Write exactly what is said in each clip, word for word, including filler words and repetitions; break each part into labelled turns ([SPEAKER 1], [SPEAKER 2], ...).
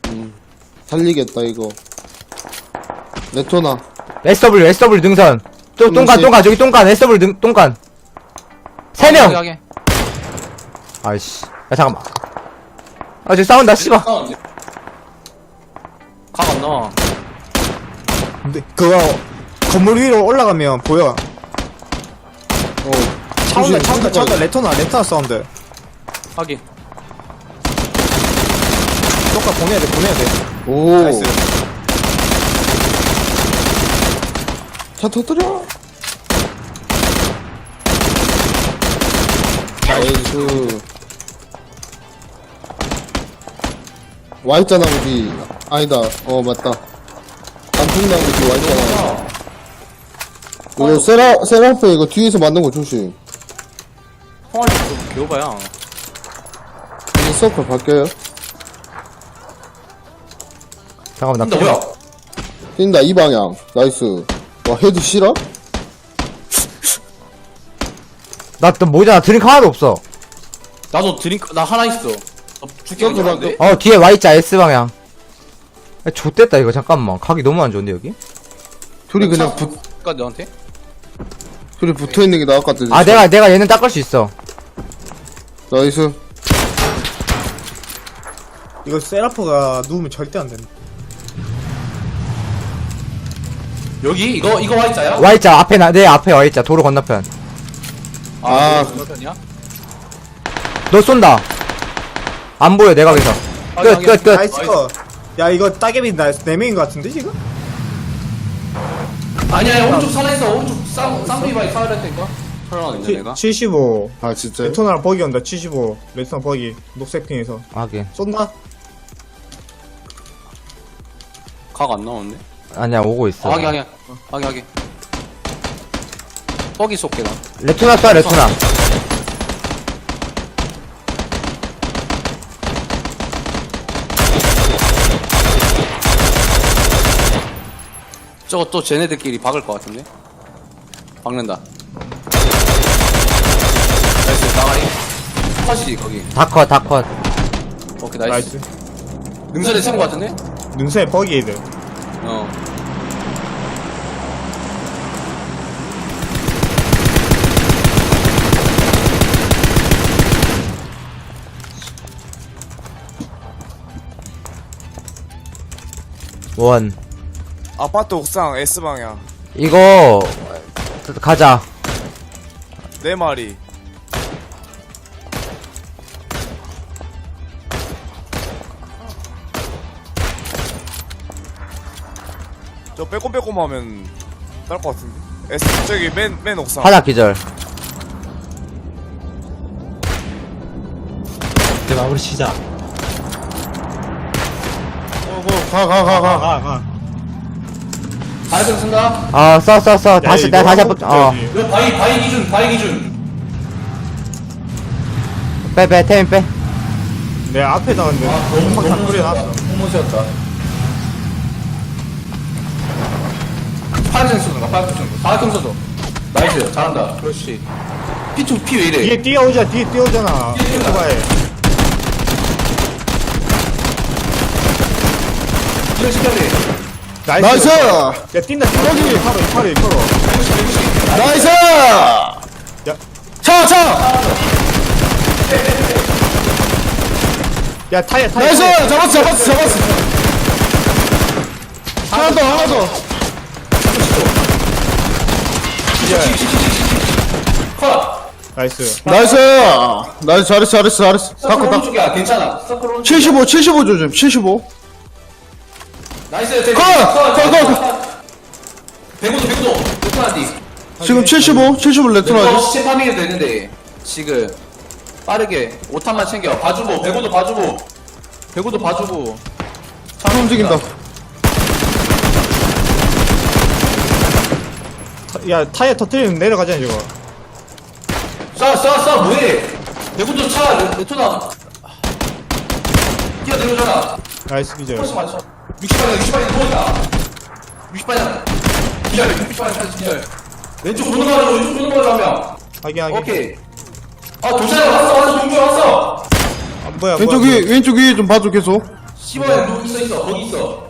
[SPEAKER 1] 음, 달리겠다 이거. 레토나.
[SPEAKER 2] 에스더블유 에스더블유 능선. 또 똥간 똥간 저기 똥간 에스더블유 능 똥간. 세 명. 아이씨. 야 잠깐만. 아 저기 싸운다 씨발.
[SPEAKER 3] 각 안 나와.
[SPEAKER 4] 근데 그거 건물 위로 올라가면 보여.
[SPEAKER 1] 어.
[SPEAKER 4] 차 온다, 차 온다, 차 온다.
[SPEAKER 1] 조심.
[SPEAKER 4] 레토나, 레토나 사운드.
[SPEAKER 3] 확인.
[SPEAKER 4] 똑같 보내야 돼, 보내야 돼.
[SPEAKER 1] 오.
[SPEAKER 4] 나이스.
[SPEAKER 1] 차 터뜨려. 나이스. Y자나무지. 아니다. 어, 맞다. 단풍나무지 Y자나무. 이거 세라, 세라페 이거 뒤에서 맞는 거 조심.
[SPEAKER 3] 홍알이 좀 개오바야.
[SPEAKER 1] 이제 서클 바뀌어요.
[SPEAKER 2] 잠깐만 나
[SPEAKER 3] 근데 뭐야?
[SPEAKER 1] 뛴다, 이 방향. 나이스. 와, 헤드 실화?
[SPEAKER 2] 나또 뭐잖아 드링크 하나도 없어.
[SPEAKER 3] 나도 드링크, 나 하나 있어. 너 죽게
[SPEAKER 1] 저기
[SPEAKER 3] 생겼는데?
[SPEAKER 2] 어 뒤에 Y자 S 방향. 야 좆됐다 이거 잠깐만 각이 너무 안 좋은데 여기?
[SPEAKER 1] 둘이 그냥 붙,
[SPEAKER 3] 까 너한테?
[SPEAKER 1] 둘이 붙어 있는 게 나을 것 같아.
[SPEAKER 2] 아 내가 내가 얘는 닦을 수 있어.
[SPEAKER 1] 나이스.
[SPEAKER 4] 이거 세라프가 누우면 절대 안 된다.
[SPEAKER 3] 여기? 이거, 이거 Y자야?
[SPEAKER 2] Y자 앞에 나 내 앞에 Y자 도로 건너편.
[SPEAKER 1] 아.
[SPEAKER 3] 그거 건너편이야?
[SPEAKER 2] 너 쏜다. 안 보여 내가 여기서. 끝 끝 끝.
[SPEAKER 4] 나이스 거. 야, 이거 따개비 나, 네 명인 것 같은데, 지금?
[SPEAKER 3] 아니야, 아니야, 오른쪽 살아있어. 오른쪽 쌍, 쌍둥이 바위 살아있다니까? 살아나겠네, 내가?
[SPEAKER 4] 칠십오.
[SPEAKER 1] 아, 진짜요?
[SPEAKER 4] 레토나랑 버기 온다, 칠십오. 레토나 버기. 녹색 핑에서.
[SPEAKER 2] 하긴.
[SPEAKER 4] 쏜다?
[SPEAKER 3] 각 안 나오는데?
[SPEAKER 2] 아니야 오고 있어.
[SPEAKER 3] 아, 하긴, 하긴. 하긴, 하긴. 뻑이 쏠게, 나.
[SPEAKER 2] 레토나 쏴 레토나.
[SPEAKER 3] 저거 또 쟤네들끼리 박을 것 같은데? 박는다. 나이스, 나가리. 컷이지, 거기.
[SPEAKER 2] 다컷 다컷.
[SPEAKER 3] 오케이, 나이스.
[SPEAKER 4] 나이스.
[SPEAKER 3] 능선에 세운 것 같은데?
[SPEAKER 4] 능선에 버기 애들.
[SPEAKER 3] 어.
[SPEAKER 2] 원.
[SPEAKER 5] 아파트 옥상 S방향
[SPEAKER 2] 이거 가자.
[SPEAKER 5] 네 마리. 저 빼꼼빼꼼 하면 딸 것 같은데. S 저기 맨 맨 옥상.
[SPEAKER 2] 하나 기절.
[SPEAKER 6] 이제 마무리 치자.
[SPEAKER 1] 어, 가, 가, 가, 가.
[SPEAKER 4] 가, 가.
[SPEAKER 3] 바이크 쓴다?
[SPEAKER 2] 어 써 써 써. 다시
[SPEAKER 4] 이거
[SPEAKER 2] 내가 다시
[SPEAKER 4] 한국
[SPEAKER 2] 한번 어.
[SPEAKER 4] 저기.
[SPEAKER 3] 이거 바이, 바이 기준, 바이 기준.
[SPEAKER 2] 빼 빼 태민 빼.
[SPEAKER 4] 내 앞에 나왔는데. 한방 다 뿌려놨어.
[SPEAKER 3] 홍모시였다. 파란색 쏘는 거, 파란색 쏘는 거. 사각형 쏘죠. 나이스, 잘한다. 그렇지. 피 투, 피 왜 이래?
[SPEAKER 4] 뒤에 뛰어오자, 뒤에 뛰어오잖아. 오토바이.
[SPEAKER 3] 이런 시켜야 돼.
[SPEAKER 4] 나이스.
[SPEAKER 1] 나이스!
[SPEAKER 4] 야, 뛴다, 뛴다. 이파로, 이파로, 이파로.
[SPEAKER 1] 나이스!
[SPEAKER 4] 야,
[SPEAKER 1] 차, 차!
[SPEAKER 4] 야, 타이어, 타이어.
[SPEAKER 1] 나이스!
[SPEAKER 4] 타이어.
[SPEAKER 1] 잡았어, 잡았어, 잡았어. 하나 더, 하나 더.
[SPEAKER 3] 컷!
[SPEAKER 4] 나이스.
[SPEAKER 1] 나이스! 나이스, 잘했어, 잘했어, 잘했어.
[SPEAKER 3] 서클
[SPEAKER 1] 닦고, 닦고.
[SPEAKER 3] 오른쪽이야, 괜찮아. 서클 오른쪽.
[SPEAKER 1] 칠십오, 칠십오 조심, 칠십오.
[SPEAKER 3] 나이스, 대
[SPEAKER 1] 컷! 컷, 컷,
[SPEAKER 3] 컷! 백오도, 백오도. 레토나디.
[SPEAKER 1] 지금 칠십오, 칠십오
[SPEAKER 3] 레토나
[SPEAKER 1] 레토나지.
[SPEAKER 3] 시체 파밍해도 되는데, 지금. 빠르게. 오탄만 챙겨. 봐주고, 백오도 봐주고. 백오도 봐주고.
[SPEAKER 1] 차 움직인다.
[SPEAKER 4] 타- 야, 타이어 터뜨리면 내려가잖아, 저거.
[SPEAKER 3] 쏴, 쏴, 쏴, 뭐해? 백오도 차, 레- 레토나. 뛰어내려오잖아.
[SPEAKER 4] 나이스, 기절.
[SPEAKER 3] 훨씬 많이 쏴. 육십 방향, 육십 방향 도망가. 육십 방향. 기절, 육십 방향 다시 기절. 왼쪽 도는 거 하자, 왼쪽 도는 거 하자, 한 명.
[SPEAKER 4] 하긴, 하긴.
[SPEAKER 3] 오케이. 아, 도전에 왔어, 왔어, 동주 왔어.
[SPEAKER 4] 아, 뭐야,
[SPEAKER 1] 왼쪽
[SPEAKER 4] 뭐야,
[SPEAKER 1] 위, 왼쪽 위 좀 봐줘, 계속.
[SPEAKER 3] 십 번에 너 있어 있어 거기 있어.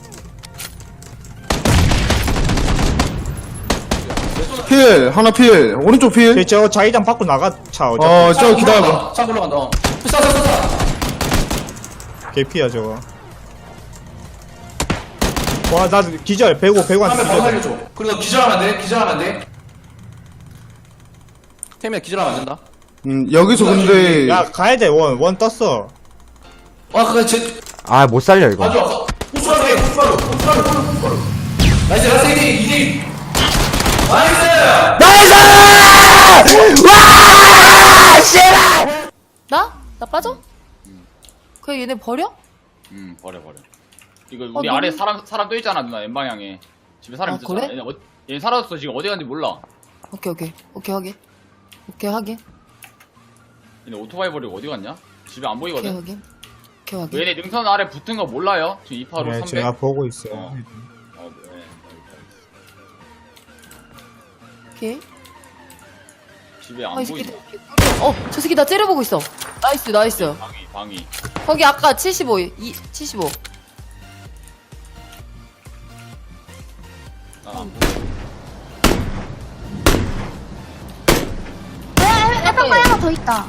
[SPEAKER 1] 필 하나 필 오른쪽 필.
[SPEAKER 4] 저, 저 자기장 밖으로 나가 차 어차피
[SPEAKER 1] 어 저 기다려봐.
[SPEAKER 3] 차 올라간다. 어. 쏴, 쏴, 쏴, 쏴.
[SPEAKER 4] 개피야 저거 와나 기절 배고 배고한테
[SPEAKER 3] 하면 바로
[SPEAKER 4] 기절
[SPEAKER 3] 살려줘. 그리고 기절하면 안 돼. 기절하면 안 돼. 태민아 기절하면 안 된다.
[SPEAKER 1] 음 여기서 근데
[SPEAKER 4] 야 가야돼 원 원 떴어
[SPEAKER 3] 와 그래 제
[SPEAKER 2] 아, 못 살려, 이거.
[SPEAKER 3] 아주 아까 호수라로 해. 호수라로. 호수라로. 호수라로. 나이스 나이스 이 대 이 대 나이스.
[SPEAKER 2] 나이스! 와! 씨발!
[SPEAKER 6] 나? 나 빠져? 그래 얘네 버려?
[SPEAKER 7] 음 버려 버려 이거
[SPEAKER 6] 어,
[SPEAKER 7] 우리
[SPEAKER 6] 너무-
[SPEAKER 7] 아래 사람 사람 또 있잖아 누나 N방향에 집에 사람
[SPEAKER 6] 아,
[SPEAKER 7] 있었잖아
[SPEAKER 6] 그래?
[SPEAKER 7] 얘네, 어, 얘 사라졌어 지금 어디 갔는지 몰라
[SPEAKER 6] 오케이 오케이 오케이 확인 오케이 확인
[SPEAKER 7] 얘네 오토바이 버리고 어디 갔냐? 집에 안
[SPEAKER 6] 오케이
[SPEAKER 7] 보이거든
[SPEAKER 6] 확인 오케이 확인
[SPEAKER 7] 얘네 능선 아래 붙은 거 몰라요? 지금 이파로
[SPEAKER 4] 네
[SPEAKER 7] 삼백
[SPEAKER 4] 제가 보고 있어요
[SPEAKER 7] 어. 어, 네.
[SPEAKER 6] 오케이
[SPEAKER 7] 집에
[SPEAKER 6] 아,
[SPEAKER 7] 안
[SPEAKER 6] 이 새끼
[SPEAKER 7] 보인다
[SPEAKER 6] 어저 새끼 나 째려보고 있어 나이스 나이스
[SPEAKER 7] 방위 방위
[SPEAKER 6] 거기 아까 칠십오 이, 칠십오
[SPEAKER 7] 난안 보여
[SPEAKER 8] 해변 거 하나 더 있다.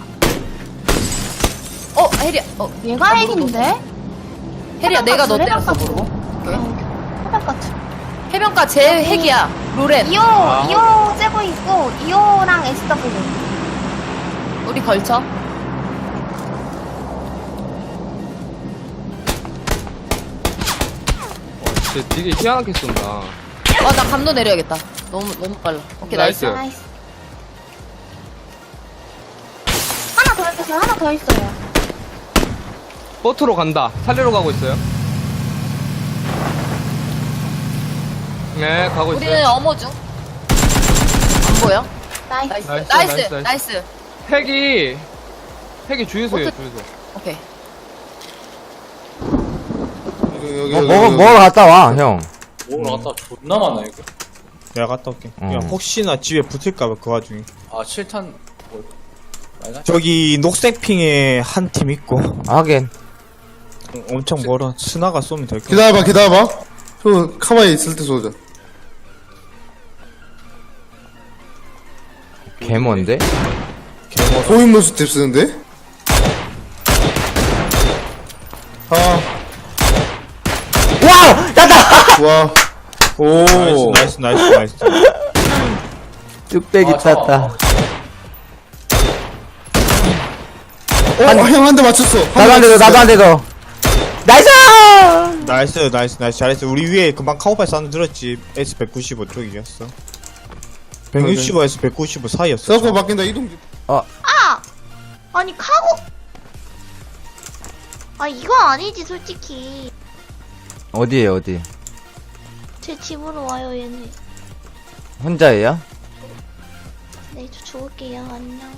[SPEAKER 6] 어 혜리야 어
[SPEAKER 8] 얘가 핵인데?
[SPEAKER 6] 혜리야 내가 너
[SPEAKER 8] 해변가
[SPEAKER 6] 때렸어
[SPEAKER 8] 두
[SPEAKER 6] 모르고
[SPEAKER 8] 해변 같은.
[SPEAKER 6] 해변가 제 핵이야 로렌
[SPEAKER 8] 이오, 이오 째고 있고, 이오랑 에스더블유.
[SPEAKER 6] 우리 걸쳐
[SPEAKER 9] 진짜 되게 희한하게 쏜다.
[SPEAKER 6] 아나 감도 내려야겠다 너무 너무 빨라 오케이 나이스,
[SPEAKER 9] 나이스.
[SPEAKER 8] 나이스. 하나 더 있어요, 하나 더 있어요.
[SPEAKER 9] 보트로 간다. 살리러 가고 있어요. 네, 가고
[SPEAKER 6] 우리는
[SPEAKER 9] 있어요.
[SPEAKER 6] 어머 중안 보여?
[SPEAKER 8] 나이스.
[SPEAKER 6] 나이스
[SPEAKER 9] 나이스,
[SPEAKER 6] 나이스
[SPEAKER 9] 나이스,
[SPEAKER 6] 나이스,
[SPEAKER 9] 나이스. 핵이, 핵이 주유소예요,
[SPEAKER 6] 보트-
[SPEAKER 9] 주유소.
[SPEAKER 6] 오케이
[SPEAKER 1] 여기 여기
[SPEAKER 2] 어,
[SPEAKER 1] 여기,
[SPEAKER 2] 먹어,
[SPEAKER 1] 여기.
[SPEAKER 2] 먹으러 갔다 와, 형.
[SPEAKER 3] 먹으러 갔다 존나 많아 이거.
[SPEAKER 4] 내가 갔다 올게
[SPEAKER 2] 어.
[SPEAKER 4] 야, 혹시나 집에 붙을까봐 그 와중에
[SPEAKER 3] 아 칠 탄 뭐. 말가?
[SPEAKER 4] 저기 녹색 핑에 한 팀 있고
[SPEAKER 2] 하긴.
[SPEAKER 4] 어, 엄청 멀어 스나가 쏘면 될거
[SPEAKER 1] 기다려봐 기다려봐. 저 카바에 있을 때 쏘자.
[SPEAKER 2] 개먼데?
[SPEAKER 1] 고인물 스텝 쓰는데? 아,
[SPEAKER 2] 와우! 땄다!
[SPEAKER 1] 와. 오.
[SPEAKER 4] 나이스 나이스 나이스 나이스
[SPEAKER 2] 뚝배기
[SPEAKER 3] 아, 저-
[SPEAKER 2] 땄다.
[SPEAKER 1] 어, 형 한 대 맞췄어.
[SPEAKER 2] 나도 안 되도, 나도 안 되도. 나이스!
[SPEAKER 4] 나이스 나이스 나이스 잘했어 우리 위에 금방 카우파이 사운드 들었지 에스 백구십오 쪽이었어 백육십오에서 백구십오 사이였어
[SPEAKER 1] 서커 바뀐다, 이동.
[SPEAKER 8] 아! 아니, 카고! 아, 이건 아니지, 솔직히.
[SPEAKER 2] 어디에, 어디?
[SPEAKER 8] 제 집으로 와요, 얘네.
[SPEAKER 2] 혼자예요?
[SPEAKER 8] 네, 저 죽을게요, 안녕.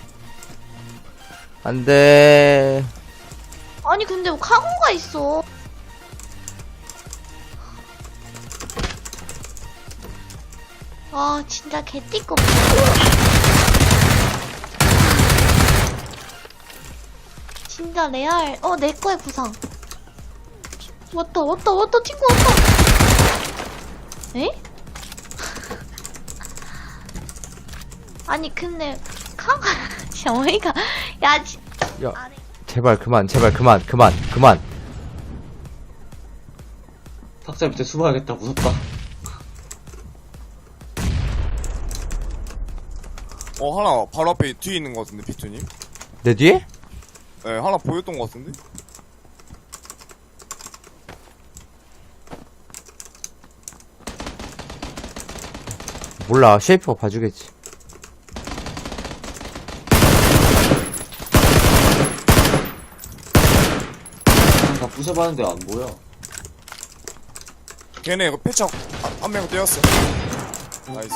[SPEAKER 2] 안 돼.
[SPEAKER 8] 아니, 근데 뭐 카고가 있어. 아, 진짜 개띠꺼. 진짜 레알. 어, 내 거에 부상. 왔다, 왔다, 왔다, 친구 왔다. 에? 아니, 근데, 카고, 진짜 어이가, 야, 진
[SPEAKER 2] 야,
[SPEAKER 8] 아래.
[SPEAKER 2] 제발 그만, 제발 그만, 그만, 그만.
[SPEAKER 10] 탁자 밑에 숨어야겠다. 무섭다.
[SPEAKER 5] 어 하나 바로 앞에 뒤에 있는 것 같은데 비투님
[SPEAKER 2] 내 뒤에?
[SPEAKER 5] 네 하나 보였던 것 같은데
[SPEAKER 2] 몰라, 쉐이프가 봐주겠지.
[SPEAKER 10] 다 부숴봤는데 안 보여.
[SPEAKER 5] 걔네 이거 패착 한 명 떼었어 나이스